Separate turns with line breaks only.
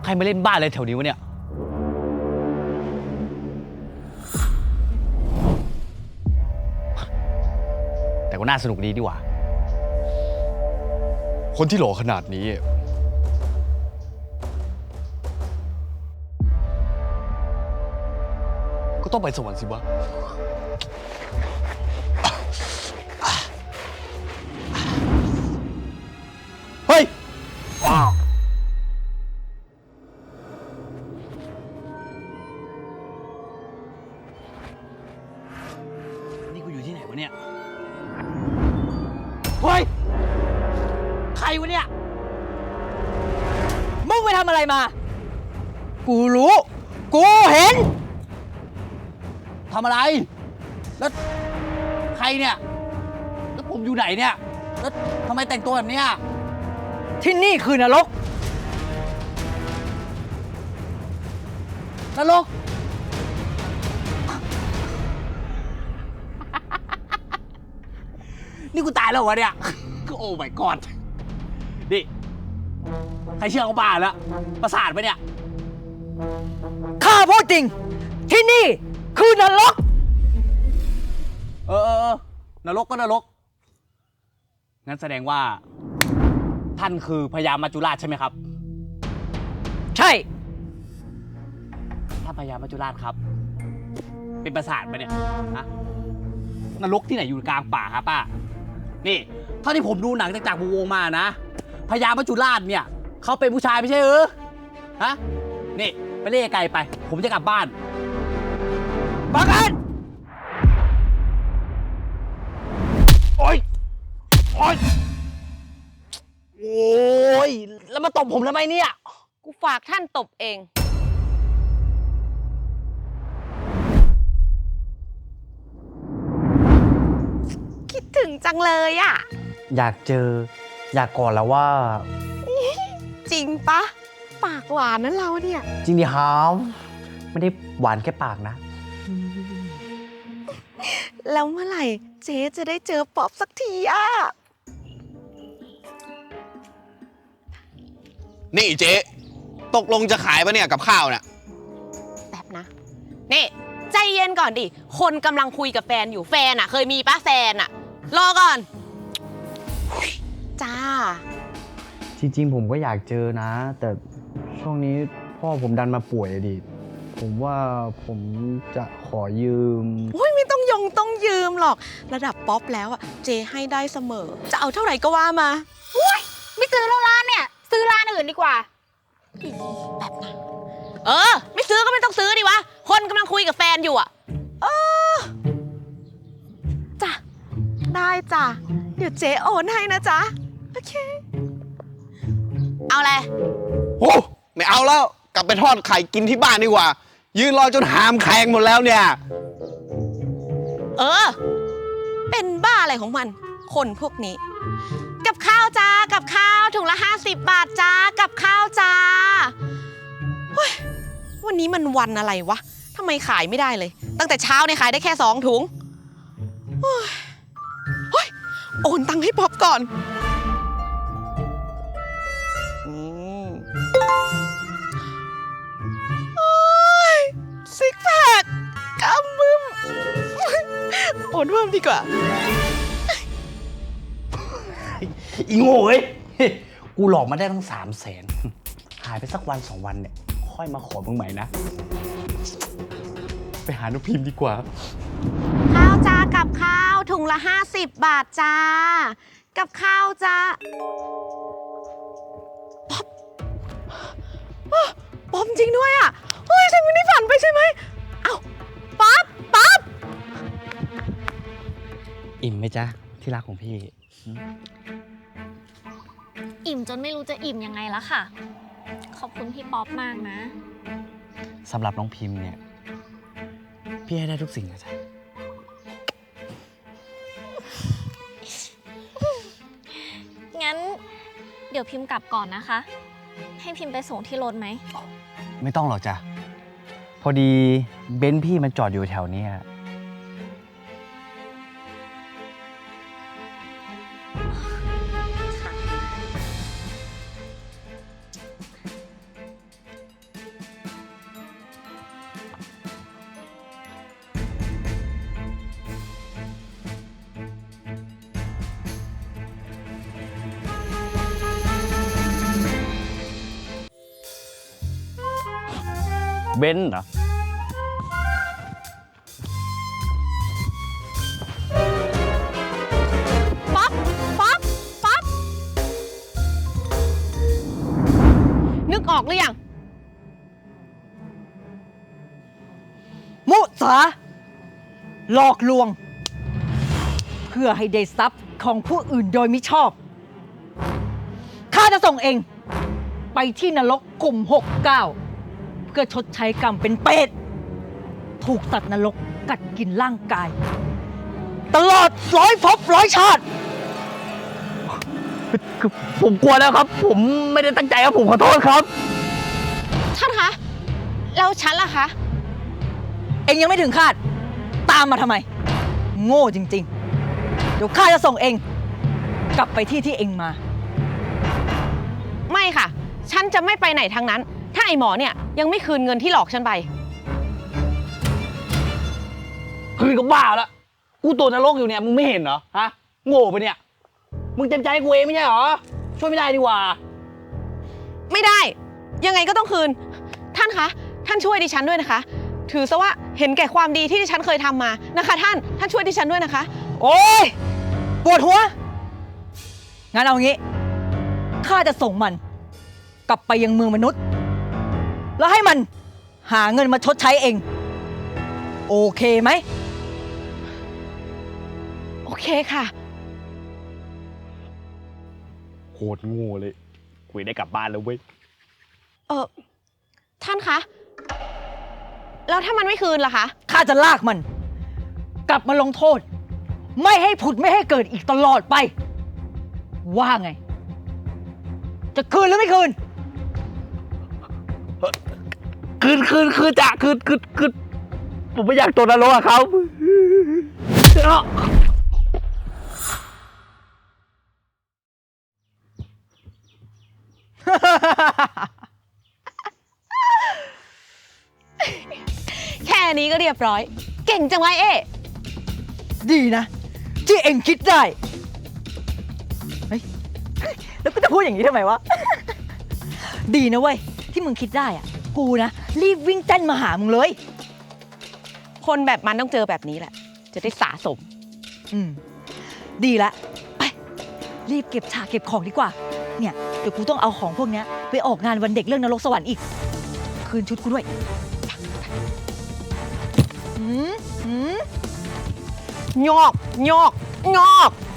ใครมาเล่นบ้านอะไรแถวนี้วะเนี่ยแต่ก็น่าสนุกดีดีกว่า
คนที่หล่อขนาดนี้ก็ต้องไปสวรรค์สิวะเฮ้ย
นี่กูอยู่ที่ไหนวะเนี่ยเฮ้ยใครวะเนี่ยมึงไปทำอะไรมากูรู้กูเห็นทำอะไรแล้วใครเนี่ยแล้วผมอยู่ไหนเนี่ยแล้วทำไมแต่งตัวแบบเนี้ยที่นี่คือนรกนรก นี่กูตายแล้ววะเนี่ยโอ้ my god นี่ใครเชื่อเขาบ้าแล้วประสาทไปเนี่ยข้าพูดจริงที่นี่คือนรกนรกก็นรกงั้นแสดงว่าท่านคือพญามัจจุราชใช่ไหมครับใช่ท่านพญามัจจุราชครับเป็นประสาทไปเนี่ยฮะนรกที่ไหนอยู่กลางป่าครับป้านี่เท่าที่ผมดูหนังจากวงมานะพญามัจจุราชเนี่ยเขาเป็นผู้ชายไม่ใช่ฮะนี่ไปเล่ไกลไปผมจะกลับบ้านฟังกันโอ๊ยโอ๊ยโอ๊ยแล้วมาตบผมทำไมเนี่ย
กูฝากท่านตบเองคิดถึงจังเลยอ่ะ
อยากเจออยากกอดแล้วว่า
จริงปะปากหวานนั้นเราเนี่ย
จริงดิครับไม่ได้หวานแค่ปากนะ
แล้วเมื่อไหร่เจ๊จะได้เจอป๊อปสักทีอ่ะ
นี่เจ๊ตกลงจะขายปะเนี่ยกับข้าวเนี่ย
แบบนะนี่ใจเย็นก่อนดิ คนกำลังคุยกับแฟนอยู่แฟนอ่ะ เคยมีปะแฟนอ่ะ รอก่อน จ้า
จริงๆผมก็อยากเจอนะ แต่ช่วงนี้พ่อผมดันมาป่วยอะดิผมว่าผมจะขอยืม
โอ้ยไม่ต้องยืมหรอกระดับป๊อปแล้วอ่ะเจให้ได้เสมอจะเอาเท่าไหร่ก็ว่ามา
ไม่ซื้อแล้วร้านเนี่ยซื้อร้านอื่นดีกว่า
แบบนั้นไม่ซื้อก็ไม่ต้องซื้อดิวะคนกำลังคุยกับแฟนอยู่อ่ะจ้ะได้จ้ะเดี๋ยวเจ๊โอนให้นะจ๊ะโอเคเอาอะไร
โอ้ไม่เอาแล้วกลับไปทอดไข่กินที่บ้านดีกว่ายืนรอจนหามแข็งหมดแล้วเนี่ย
เป็นบ้าอะไรของมันคนพวกนี้กับข้าวจ้ากับข้าวถุงละ50 บาทจ้ากับข้าวจ้าวันนี้มันวันอะไรวะทำไมขายไม่ได้เลยตั้งแต่เช้าเนี่ยขายได้แค่2 ถุงโอนตังค์ให้ป๊อปก่อนซิกแพคกำมึมโอนเพิ่มดีกว่า
อีโง่เอ้ยกูหลอกมาได้ตั้ง300,000หายไปสักวัน2 วันเนี่ยค่อยมาขอมึงใหม่นะไปหาน้องพิมพ์ดีกว่า
ข้าวจ้ากับข้าวถุงละ50 บาทจ้ากับข้าวจ้าป๊อปจริงด้วยอ่ะเฮ้ยฉันไม่ได้ฝันไปใช่ไหมเอ้าป๊อป
อิ่มไหมจ๊ะที่รักของพี่
อิ่มจนไม่รู้จะอิ่มยังไงแล้วค่ะขอบคุณพี่ป๊อปมากนะ
สำหรับน้องพิมพ์เนี่ยพี่ให้ได้ทุกสิ่งนะจ๊ะ
งั้นเดี๋ยวพิมพ์กลับก่อนนะคะให้พิมพ์ไปส่งที่รถไหม
ไม่ต้องหรอกจ้ะพอดีเบนซ์พี่มันจอดอยู่แถวนี้เบนซ์เหรอ
ป๊อป ป๊อป ป๊อป นึกออกหรือยัง
มุสาหลอกลวง เพื่อให้ได้ทรัพย์ของผู้อื่นโดยมิชอบข้าจะส่งเอง ไปที่นรกกลุ่ม 69 เพื่อชดใช้กรรมเป็นเปรตถูกสัตว์นรกกัดกินร่างกาย ตลอด100 ภพ 100 ชาติ
ผมกลัวแล้วครับ ผมไม่ได้ตั้งใจครับ ผมขอโทษครับ
ท่านคะ แล้วฉันล่ะคะ
เองยังไม่ถึงคาด ตามมาทำไม โง่จริงๆ เดี๋ยวข้าจะส่งเอง กลับไปที่เองมา
ไม่ค่ะ ฉันจะไม่ไปไหนทั้งนั้น ถ้าไอหมอเนี่ยยังไม่คืนเงินที่หลอกฉันไป
คืนก็บ้าแล้ว กูตัวนรกอยู่เนี่ย มึงไม่เห็นเหรอ ฮะ โง่ไปะเนี่ย มึงเต็มใจให้กูเองไม่ใช่เหรอ ช่วยไม่ได้ดีกว่า
ไม่ได้ ยังไงก็ต้องคืน ท่านคะ ท่านช่วยดิฉันด้วยนะคะ ถือซะว่าเห็นแก่ความดีที่ดิฉันเคยทำมานะคะ ท่านช่วยดิฉันด้วยนะคะ
โอ๊ย ปวดหัว งั้นเอางี้ ข้าจะส่งมัน กลับไปยังเมืองมนุษย์ แล้วให้มันหาเงินมาชดใช้เอง โอเคไหม
โอเคค่ะ
โคตรโง่เลย กูได้กลับบ้านแล้วเว้ย
ท่านคะ แล้วถ้ามันไม่คืนล่ะคะ
ข้าจะลากมัน กลับมาลงโทษ ไม่ให้ผุดไม่ให้เกิดอีกตลอดไป ว่าไง จะคืนหรือไม่คืน
คืนจ้ะคืนผมไม่อยากตัวนรกอะครับ
แค่นี้ก็เรียบร้อย เก่งจังไว้เอ๊ะ
ดีนะ ที่เอ็งคิดได้ เฮ้ย แล้วกูจะพูดอย่างนี้ทำไมวะ ดีนะเว้ย ที่มึงคิดได้อ่ะ กูนะ รีบวิ่งเต้นมาหามึงเลย
คนแบบมันต้องเจอแบบนี้แหละ จะได้สะสม
อืม ดีละ ไป รีบเก็บฉากเก็บของดีกว่า เนี่ย เดี๋ยวกูต้องเอาของพวกเนี้ยไปออกงานวันเด็กเรื่องนรกสวรรค์อีก คืนชุดกูด้วยหืม
งอก งอก งอก